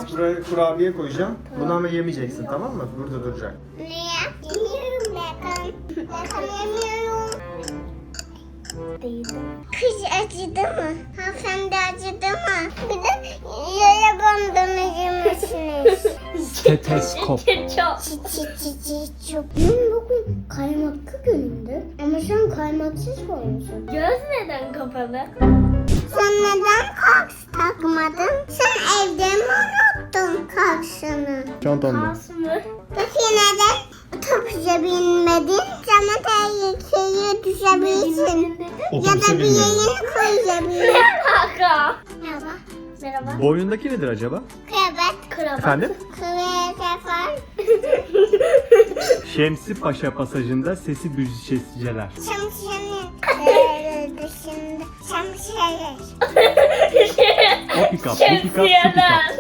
Aras buraya kurabiye koyacağım. Bunu ama yemeyeceksin, tamam mı? Burada duracak. Niye? Yemiyorum ben. Ben yemiyorum. Kız acıdı mı? Hanımefendi acıdı mı? Bir de yaya bandını yemişsiniz. Steteskop. Çok. Bakın kaymaklı göründü. Ama sen kaymaksız koymuşsun. Göz neden kapalı? Sen neden kaks takmadın? Sen evde mi unuttun kaksını? Çantamda. Kas mı? Peki neden otobüse binmedin? Sana tehlikeye düşebilirsin. Ya Otobüse da bir binmedim. yayın koyabilirsin. Kaka. Merhaba. Merhaba. Boyundaki nedir acaba? Kıyafet. Kravat. Efendim? Kıyafet. Şemsi Paşa pasajında sesi büzüşesiceler. Şemsiyenin dışında. Şemsiyeler. O pick-up, bu pick-up, şu pick-up.